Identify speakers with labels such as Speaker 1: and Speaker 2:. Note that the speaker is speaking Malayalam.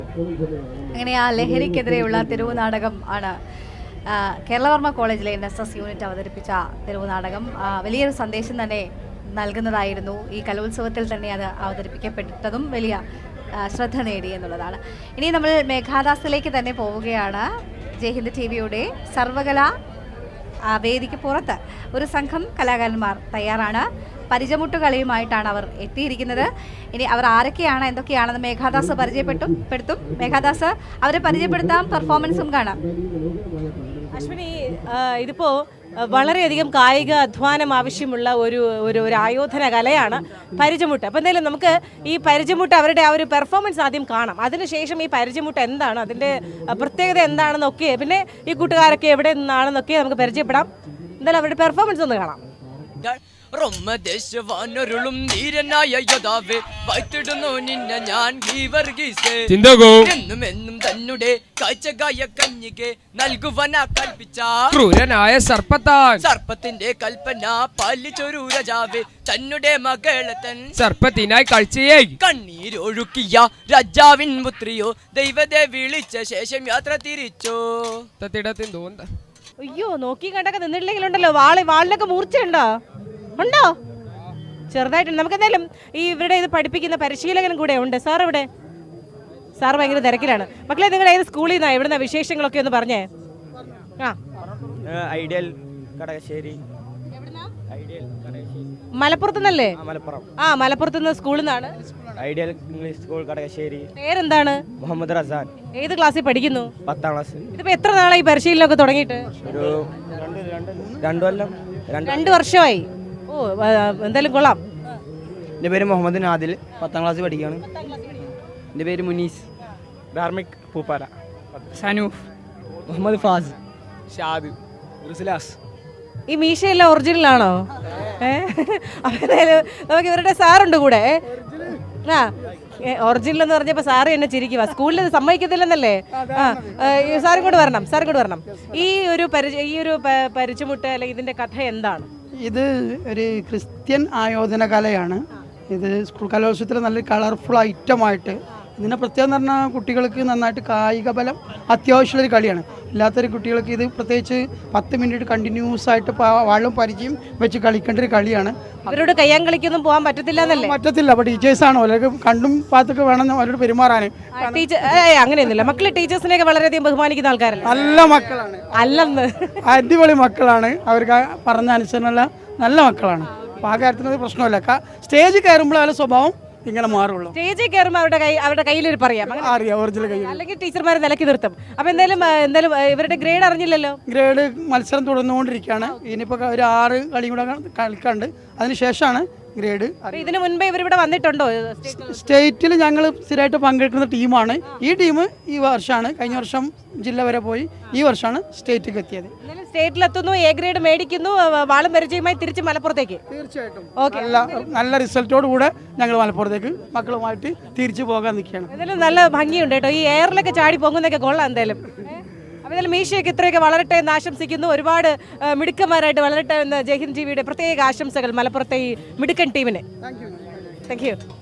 Speaker 1: അങ്ങനെ ആ ലഹരിക്കെതിരെയുള്ള തെരുവ് നാടകം ആണ് കേരളവർമ്മ കോളേജിലെ NSS യൂണിറ്റ് അവതരിപ്പിച്ച തെരുവ് നാടകം. വലിയൊരു സന്ദേശം തന്നെ നൽകുന്നതായിരുന്നു. ഈ കലോത്സവത്തിൽ തന്നെ അത് അവതരിപ്പിക്കപ്പെട്ടതും വലിയ ശ്രദ്ധ നേടി എന്നുള്ളതാണ്. ഇനി നമ്മൾ മേഘാദാസിലേക്ക് തന്നെ പോവുകയാണ്. ജയ്ഹിന്ദ് TVയുടെ സർവകലാ വേദിക്ക് പുറത്ത് ഒരു സംഘം കലാകാരന്മാർ തയ്യാറാണ്. പരിചമുട്ടുകളിയുമായിട്ടാണ് അവർ എത്തിയിരിക്കുന്നത്. ഇനി അവർ ആരൊക്കെയാണ് എന്തൊക്കെയാണെന്ന് മേഘാദാസ് പരിചയപ്പെടുത്തും. മേഘാദാസ് അവരെ പരിചയപ്പെടുത്താം, പെർഫോമൻസും കാണാം.
Speaker 2: അശ്വിനി, ഇതിപ്പോ വളരെയധികം കായിക അധ്വാനം ആവശ്യമുള്ള ഒരു ആയോധന കലയാണ് പരിചമുട്ട്. അപ്പോൾ എന്തായാലും നമുക്ക് ഈ പരിചമുട്ട് അവരുടെ ആ ഒരു പെർഫോമൻസ് ആദ്യം കാണാം. അതിനുശേഷം ഈ പരിചമുട്ട് എന്താണ്, അതിൻ്റെ പ്രത്യേകത എന്താണെന്നൊക്കെ, പിന്നെ ഈ കൂട്ടുകാരൊക്കെ എവിടെ നിന്നാണെന്നൊക്കെ നമുക്ക് പരിചയപ്പെടാം. എന്തായാലും അവരുടെ പെർഫോമൻസ് ഒന്ന് കാണാം.
Speaker 3: റൊമ്മദേശവാനൊരുളും ധീരനായ യോദ്ധാവേ, വാഴ്ത്തിടുന്നു നിന്നെ ഞാൻ എന്നും എന്നും തന്നെ കാഴ്ചകായ കന്യകെ നൽകുവനാ കൽപ്പിച്ച
Speaker 4: ക്രൂരനായ
Speaker 3: സർപ്പത്തിന്റെ കൽപ്പന പാലിച്ചൊരു രാജാവേ, തന്നെ മകളെ തൻ
Speaker 4: സർപ്പത്തിനായി കാഴ്ചയെ
Speaker 3: കണ്ണീരൊഴുക്കിയ രാജാവിൻ പുത്രിയോ, ദൈവത്തെ വിളിച്ച ശേഷം യാത്ര തിരിച്ചോ.
Speaker 2: അയ്യോ, നോക്കി കണ്ടൊക്കെ നിന്നിട്ടില്ലെങ്കിലുണ്ടല്ലോ വാളിനൊക്കെ മൂർച്ചയുണ്ടോ? ഉണ്ടോ? ചെറുതായിട്ടുണ്ട്. നമുക്ക് എന്തായാലും ഈ ഇവരുടെ ഇത് പഠിപ്പിക്കുന്ന പരിശീലകനും കൂടെ ഉണ്ട്. സാർ ഇവിടെ? സാർ ഭയങ്കര തിരക്കിലാണ്. മക്കളെ, നിങ്ങൾ ഏത് സ്കൂളിൽ നിന്നാണ്, എവിടുന്ന വിശേഷങ്ങളൊക്കെ ഒന്ന് പറഞ്ഞേ.
Speaker 5: ഐഡിയൽ കടകശ്ശേരി.
Speaker 2: മലപ്പുറത്തുനിന്നല്ലേ? മലപ്പുറത്തുനിന്ന് സ്കൂളിൽ നിന്നാണ്.
Speaker 5: Ideal English school Kadakassery.
Speaker 2: പേരെന്താണ്?
Speaker 5: മുഹമ്മദ് റസാൻ.
Speaker 2: ഏത് ക്ലാസ്സിൽ പഠിക്കുന്നു?
Speaker 5: 10ാം ക്ലാസ്.
Speaker 2: ഇതിപ്പോ എത്ര നാളായി പരിശീലനമൊക്കെ തുടങ്ങിയിട്ട്?
Speaker 5: ഒരു 2 കൊല്ലം.
Speaker 2: 2 വർഷമായി. ഓ, എന്തായാലും കൊള്ളാം.
Speaker 5: എൻ്റെ പേര് മുഹമ്മദ് നാദിൽ, 10ാം ക്ലാസ് പഠിക്കുകയാണ്. എൻ്റെ പേര് മുനീസ്. ധാർമിക് പൂപ്പാല.
Speaker 4: സനൂഫ്.
Speaker 5: മുഹമ്മദ് ഫാസ്.
Speaker 4: ഷാദ്. റുസ്ലാസ്.
Speaker 2: ഈ മീശയെല്ലാം ഒറിജിനൽ ആണോ? അപ്പം എന്തായാലും നമുക്ക് ഇവരുടെ സാറുണ്ട് കൂടെ. ഒറിജിനൽ എന്ന് പറഞ്ഞപ്പോൾ സാറ് എന്നെ ചിരിക്കുക. സ്കൂളിൽ സമ്മതിക്കത്തില്ലെന്നല്ലേ? സാറും കൂടെ വരണം. ഈ ഒരു പരിചമുട്ട് അല്ലെങ്കിൽ ഇതിൻ്റെ കഥ എന്താണ്?
Speaker 6: ഇത് ഒരു ക്രിസ്ത്യൻ ആയോധന കലയാണ്. ഇത് സ്കൂൾ കലോത്സവത്തിൽ നല്ല കളർഫുൾ ഐറ്റമായിട്ട് ഇതിനെ പ്രത്യേകം എന്ന് പറഞ്ഞാൽ കുട്ടികൾക്ക് നന്നായിട്ട് കായിക ബലം അത്യാവശ്യമുള്ളൊരു കളിയാണ്. ഇല്ലാത്തൊരു കുട്ടികൾക്ക് ഇത് പ്രത്യേകിച്ച് 10 മിനിറ്റ് കണ്ടിന്യൂസ് ആയിട്ട് വാളും പരിചയം വെച്ച് കളിക്കേണ്ട ഒരു കളിയാണ്.
Speaker 2: അവരോട് കയ്യാൻ കളിക്കൊന്നും പോകാൻ പറ്റത്തില്ല.
Speaker 6: അപ്പോൾ ടീച്ചേഴ്സാണ് അവർക്ക് കണ്ടും പാത്തൊക്കെ വേണം അവരോട് പെരുമാറാൻ.
Speaker 2: അങ്ങനെയൊന്നുമില്ല. മക്കള് ടീച്ചേഴ്സിനെയൊക്കെ വളരെയധികം ബഹുമാനിക്കുന്ന ആൾക്കാരല്ല.
Speaker 6: നല്ല മക്കളാണ്.
Speaker 2: അല്ലെന്ന്
Speaker 6: അടിപൊളി മക്കളാണ്. അവർക്ക് പറഞ്ഞ അനുസരണമുള്ള നല്ല മക്കളാണ്. അപ്പോൾ ആ കാര്യത്തിനൊരു പ്രശ്നമില്ല. സ്റ്റേജ് കയറുമ്പോൾ അവരുടെ സ്വഭാവം ഇങ്ങനെ മാറുള്ളൂ.
Speaker 2: സ്റ്റേജിൽ കയറുമ്പോൾ അവരുടെ കയ്യിൽ പറയാം,
Speaker 6: ഒറിജിനൽ കയ്യിൽ,
Speaker 2: അല്ലെങ്കിൽ ടീച്ചർമാരെ നിലക്കി നിർത്തും. അപ്പോൾ എന്തായാലും ഇവരുടെ ഗ്രേഡ് അറിഞ്ഞില്ലല്ലോ.
Speaker 6: ഗ്രേഡ് മത്സരം തുടർന്നുകൊണ്ടിരിക്കുകയാണ്. ഇനിയിപ്പോൾ ഒരു 6 കളിയും കൂടെ കളിക്കാണ്ട് അതിനുശേഷമാണ് ഗ്രേഡ്.
Speaker 2: ഇതിനു മുൻപേ ഇവരിവിടെ വന്നിട്ടുണ്ടോ?
Speaker 6: സ്റ്റേറ്റിൽ ഞങ്ങൾ സ്ഥിരമായിട്ട് പങ്കെടുക്കുന്ന ടീമാണ്. ഈ ടീം ഈ വർഷമാണ്, കഴിഞ്ഞ വർഷം ജില്ല വരെ പോയി, ഈ വർഷമാണ് സ്റ്റേറ്റിലേക്ക് എത്തിയത്.
Speaker 2: സ്റ്റേറ്റിലെത്തുന്നു, എ ഗ്രേഡ് മേടിക്കുന്നു, വാളും പരിചയമായി തിരിച്ച് മലപ്പുറത്തേക്ക്.
Speaker 6: തീർച്ചയായിട്ടും നല്ല റിസൾട്ടോട് കൂടെ ഞങ്ങൾ മലപ്പുറത്തേക്ക് മക്കളുമായിട്ട് തിരിച്ചു പോകാൻ നിൽക്കുകയാണ്.
Speaker 2: എന്തായാലും നല്ല ഭംഗിയുണ്ട് കേട്ടോ. ഈ എയറിലൊക്കെ ചാടി പോകുന്നതൊക്കെ കൊള്ളാം. എന്തായാലും മീശയൊക്കെ ഇത്രയൊക്കെ വളരട്ടെ എന്ന് ആശംസിക്കുന്നു. ഒരുപാട് മിടുക്കന്മാരായിട്ട് വളരട്ടെ എന്ന് ജയ്ഹിന്ദ് TVയുടെ പ്രത്യേക ആശംസകൾ മലപ്പുറത്തെ ഈ മിടുക്കൻ ടീമിന്. Thank U.